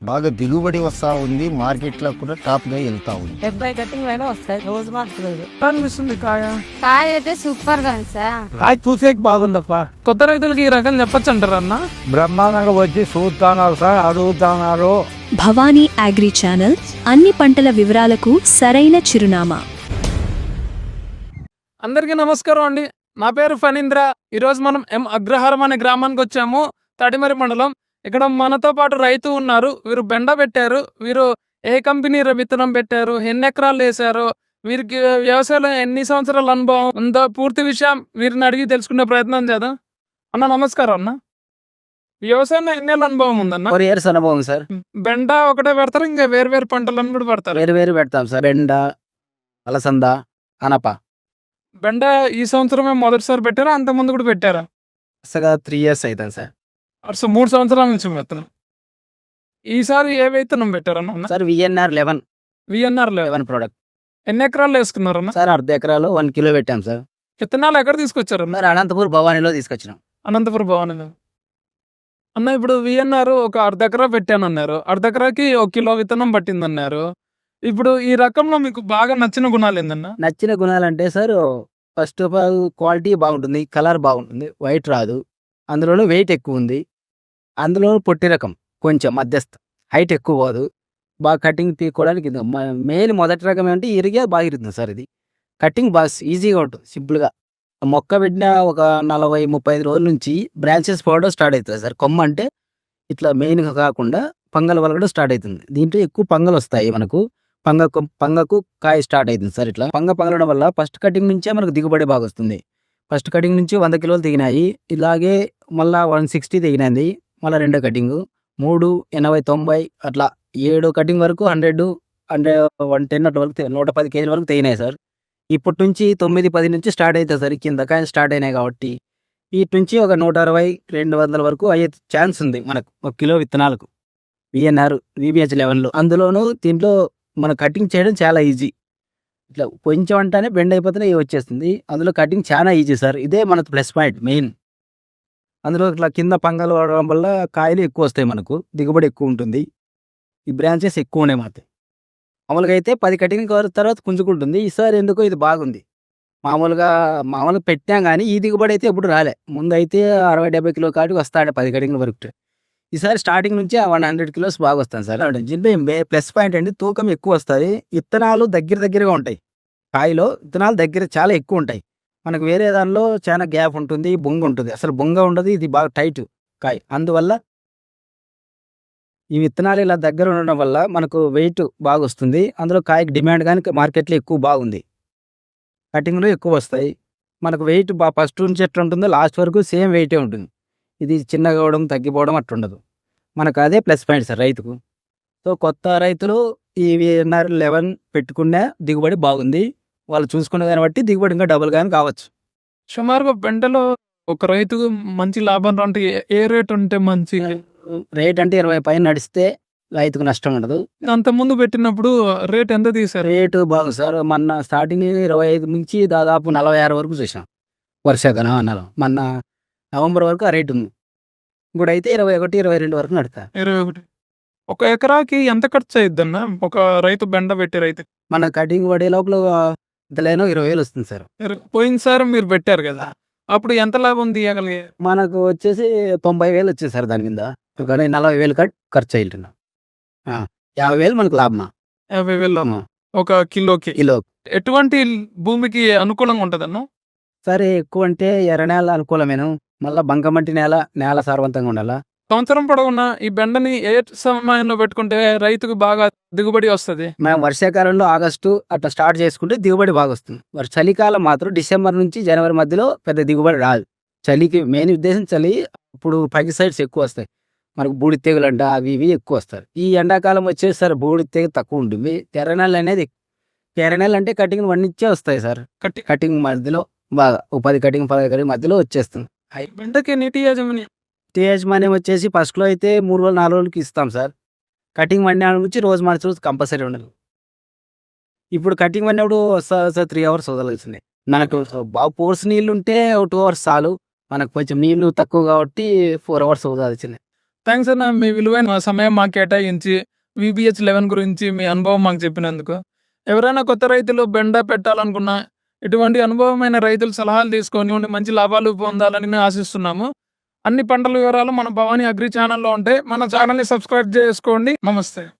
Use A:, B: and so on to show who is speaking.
A: బాగా దిగుబడి వస్తూ ఉంది. మార్కెట్లో కూడా టాప్గా వెళ్తా ఉంది.
B: 70 కటింగ్ అయినా వస్తాయి, రోజు మార్చలేదు.
C: అనిపిస్తుంది కాయ
D: కాయ అయితే సూపర్ గా ఉంది సార్.
C: కాయ చూసేకి బాగుందప్ప. కొత్త రైతులకి ఈ రకం చెప్పచ్చు అంటారు అన్న?
E: బ్రహ్మాండంగా వచ్చి చూస్తున్నారు సార్, అడుగుతున్నారు.
F: భవానీ అగ్రి ఛానల్ అన్ని పంటల వివరాలకు సరైన చిరునామా.
C: అందరికీ నమస్కారం అండి. నా పేరు ఫణీంద్ర. ఈరోజు మనం అగ్రహారం అనే గ్రామానికి వచ్చాము, తడిమరి మండలం. ఇక్కడ మనతో పాటు రైతు ఉన్నారు. వీరు బెండ పెట్టారు. వీరు ఏ కంపెనీ విత్తనం పెట్టారు, ఎన్ని ఎకరాలు వేశారు, వీరికి వ్యవసాయంలో ఎన్ని సంవత్సరాల అనుభవం ఉందో పూర్తి విషయం వీరిని అడిగి తెలుసుకునే ప్రయత్నం చేద్దాం. అన్న నమస్కారం. అన్న వ్యవసాయంలో ఎన్ని ఏళ్ళ అనుభవం ఉందన్న?
G: 4 years అనుభవం సార్.
C: బెండ ఒకటే పెడతారు, ఇంకా వేరు వేరు పంటలను కూడా పెడతారు?
G: వేరు పెడతాం సార్. బెండ, అలసంద, అనప.
C: బెండ ఈ సంవత్సరమే మొదటిసారి పెట్టారా, అంత ముందు కూడా పెట్టారా?
G: 3 years అవుతాను సార్.
C: 3 సంవత్సరాల నుంచి విత్తనం. ఈసారి ఏ విత్తనం పెట్టారన్న?
G: Sir VNR 11
C: VNR
G: product.
C: ఎన్ని ఎకరాలు వేసుకున్నారన్న?
G: సార్ 1/2 ఎకరాలు 1 కిలో పెట్టాం సార్.
C: విత్తనాలు ఎక్కడ తీసుకొచ్చారన్న?
G: మరి అనంతపూర్ భవానీలో తీసుకొచ్చినాం.
C: అనంతపురం భవన్ అన్న. ఇప్పుడు విఎన్ఆర్ ఒక 1/2 ఎకరా పెట్టానన్నారు, 1/2 ఎకరాకి 1 కిలో విత్తనం పట్టిందన్నారు. ఇప్పుడు ఈ రకంలో మీకు బాగా నచ్చిన గుణాలు ఏందన్న?
G: నచ్చిన గుణాలు అంటే sir, first of all quality బాగుంటుంది, కలర్ బాగుంటుంది, వైట్ రాదు, అందులోనూ వెయిట్ ఎక్కువ ఉంది, అందులోనూ పొట్టి రకం, కొంచెం మధ్యస్థ, హైట్ ఎక్కువ పోదు, బాగా కటింగ్ తీసుకోవడానికి. మెయిన్ మొదటి రకం ఏంటంటే ఇరిగే బాగా ఇరుతుంది సార్. ఇది కటింగ్ బాగా ఈజీగా ఉంటుంది, సింపుల్గా. మొక్క పెట్టిన ఒక 40-35 రోజుల నుంచి బ్రాంచెస్ పోవడం స్టార్ట్ అవుతుంది సార్. కొమ్మ అంటే ఇట్లా మెయిన్గా కాకుండా పంగలు వలగడం స్టార్ట్ అవుతుంది. దీంట్లో ఎక్కువ పంగలు వస్తాయి మనకు. పంగకు కాయ స్టార్ట్ అవుతుంది సార్. ఇట్లా పంగలడం వల్ల ఫస్ట్ కటింగ్ నుంచే మనకు దిగుబడి బాగా వస్తుంది. ఫస్ట్ కటింగ్ నుంచి 100 కిలోలు దిగినాయి. ఇలాగే మళ్ళీ 160 దిగినది. మళ్ళీ 2 కటింగ్ 3, 80, 90 అట్లా 7 కటింగ్ వరకు 100, 110 అట్ల వరకు 110 కేజీల వరకు తెగినాయి సార్. ఇప్పటి నుంచి 9-10 నుంచి స్టార్ట్ అవుతుంది సార్. కింద కాయ స్టార్ట్ అయినాయి కాబట్టి వీటి నుంచి ఒక 160-200 వరకు అయ్యే ఛాన్స్ ఉంది మనకు 1 కిలో విత్తనాలకు. విఎన్ఆర్ VBH 11లో. అందులోనూ దీంట్లో మన కటింగ్ చేయడం చాలా ఈజీ. ఇట్లా కొంచెం అంటానే బెండ్ అయిపోతేనే వచ్చేస్తుంది. అందులో కటింగ్ చాలా ఈజీ సార్. ఇదే మన ప్లస్ పాయింట్ మెయిన్. అందులో ఇట్లా కింద పంగలు పడడం వల్ల కాయలు ఎక్కువ వస్తాయి, మనకు దిగుబడి ఎక్కువ ఉంటుంది. ఈ బ్రాంచెస్ ఎక్కువ ఉన్నాయి మాత్రం. మామూలుగా అయితే 10 కటింగ్ తర్వాత పుంజుకుంటుంది. ఈసారి ఎందుకో ఇది బాగుంది. మామూలుగా పెట్టాం కానీ ఈ దిగుబడి అయితే ఎప్పుడు రాలే. ముందు అయితే 60-70 కిలో కాటికి వస్తాడు 10 కటింగ్ల వరకు. ఈసారి స్టార్టింగ్ నుంచి 100 కిలోస్ బాగా వస్తాను సార్. దీంట్లో ప్లస్ పాయింట్ అండి, తూకం ఎక్కువ వస్తుంది. విత్తనాలు దగ్గరగా ఉంటాయి. కాయలో విత్తనాలు దగ్గర చాలా ఎక్కువ ఉంటాయి. మనకు వేరే దానిలో చాలా గ్యాప్ ఉంటుంది, బొంగ ఉంటుంది. అసలు బొంగ ఉండదు, ఇది బాగా టైట్ కాయ. అందువల్ల ఈ విత్తనాలు ఇలా దగ్గర ఉండడం వల్ల మనకు వెయిట్ బాగా వస్తుంది. అందులో కాయకి డిమాండ్ కానీ మార్కెట్లో ఎక్కువ బాగుంది. కటింగ్లో ఎక్కువ వస్తాయి. మనకు వెయిట్ ఫస్ట్ నుంచి ఎట్లా ఉంటుందో లాస్ట్ వరకు సేమ్ వెయిటే ఉంటుంది. ఇది చిన్నగా అవడం తగ్గిపోవడం అట్లుండదు. మనకు అదే ప్లస్ పాయింట్ సార్ రైతుకు. సో కొత్త రైతులు ఈ విఎన్ఆర్ 11 పెట్టుకునే దిగుబడి బాగుంది. వాళ్ళు చూసుకునే దాన్ని బట్టి దిగుబడి ఇంకా డబుల్ కానీ కావచ్చు.
C: సుమారుగా బెండలో ఒక రైతుకు మంచి లాభం అంటే ఏ రేట్ ఉంటే మంచి
G: రేట్ అంటే 20 పైన నడిస్తే రైతుకు నష్టం ఉండదు.
C: అంత ముందు పెట్టినప్పుడు రేట్ ఎంత తీసారు?
G: రేటు బాగుంది సార్. మొన్న స్టార్టింగ్ 25 నుంచి దాదాపు 46 వరకు చూసాం వర్షాకాలం అన్నాను. మొన్న నవంబర్ వరకు ఆ రేటు ఉంది. ఇప్పుడు అయితే 21-22 వరకు నడుతా.
C: 21. ఒక ఎకరాకి ఎంత ఖర్చు అయ్యిద్ది అన్న ఒక రైతు బెండ పెట్టి రైతు?
G: మన కటింగ్ పడే లోపల ఇంతలేనో 20,000 వస్తుంది సార్.
C: పోయినసారి మీరు పెట్టారు కదా, అప్పుడు ఎంత లాభం తీయగలిగే?
G: మనకు వచ్చేసి 90,000 వచ్చేది సార్. దాని మీద 40,000 ఖర్చు అయ్యింటున్నా. 50,000 మనకు లాభమా.
C: 50,000 ఒక కిలోకి. ఎటువంటి భూమికి అనుకూలంగా ఉంటదన్న?
G: సరే ఎక్కువ అంటే ఎర్ర నేల అనుకూలమేను. మళ్ళీ బంకమట్టి నేల సారవంతంగా ఉండాలా.
C: సంవత్సరం పొడవునా ఈ బెండని ఏ సమయంలో పెట్టుకుంటే రైతుకు బాగా దిగుబడి వస్తుంది?
G: మేము వర్షాకాలంలో ఆగస్టు అట్లా స్టార్ట్ చేసుకుంటే దిగుబడి బాగా వస్తుంది. చలికాలం మాత్రం డిసెంబర్ నుంచి జనవరి మధ్యలో పెద్ద దిగుబడి రాదు. చలికి మెయిన్ ఉద్దేశం చలి. ఇప్పుడు సైడ్స్ ఎక్కువ వస్తాయి మనకు. బూడి తెగులు అంట అవి ఇవి ఎక్కువ వస్తారు. ఈ ఎండాకాలం వచ్చేసి సార్ బూడి తెగులు తక్కువ ఉంటుంది. ఎర్రనెల అనేది ఎర్రనెల అంటే కటింగ్ 1 నుంచే వస్తాయి సార్. కటింగ్ మధ్యలో బాగా 10 కటింగ్ 15 కటింగ్ మధ్యలో వచ్చేస్తుంది.
C: బెండకి నీటి
G: యాజమాన్యం వచ్చేసి ఫస్ట్లో అయితే 3 రోజులు 4 రోజులకి ఇస్తాం సార్. కటింగ్ వండిన నుంచి రోజు మార్చి రోజు కంపల్సరీ ఉండదు. ఇప్పుడు కటింగ్ పడినప్పుడు 3 అవర్స్ వదలాల్సిందే. మనకు బాగా పోర్స్ నీళ్ళు ఉంటే 2 అవర్స్ చాలు. మనకు కొంచెం నీళ్లు తక్కువ కాబట్టి 4 అవర్స్ వదలాల్సిందే.
C: థ్యాంక్స్ అన్న, మీ విలువైన సమయం మాకు కేటాయించి VBH 11 గురించి మీ అనుభవం మాకు చెప్పినందుకు. ఎవరైనా కొత్త రైతులు బెండ పెట్టాలనుకున్నా ఇటువంటి అనుభవమైన రైతులు సలహాలు తీసుకొని ఉండి మంచి లాభాలు పొందాలని ఆశిస్తున్నాము. అన్ని పంటల వివరాలు మన భవానీ అగ్రి ఛానల్లో ఉంటాయి. మన ఛానల్ని సబ్స్క్రైబ్ చేసుకోండి. నమస్తే.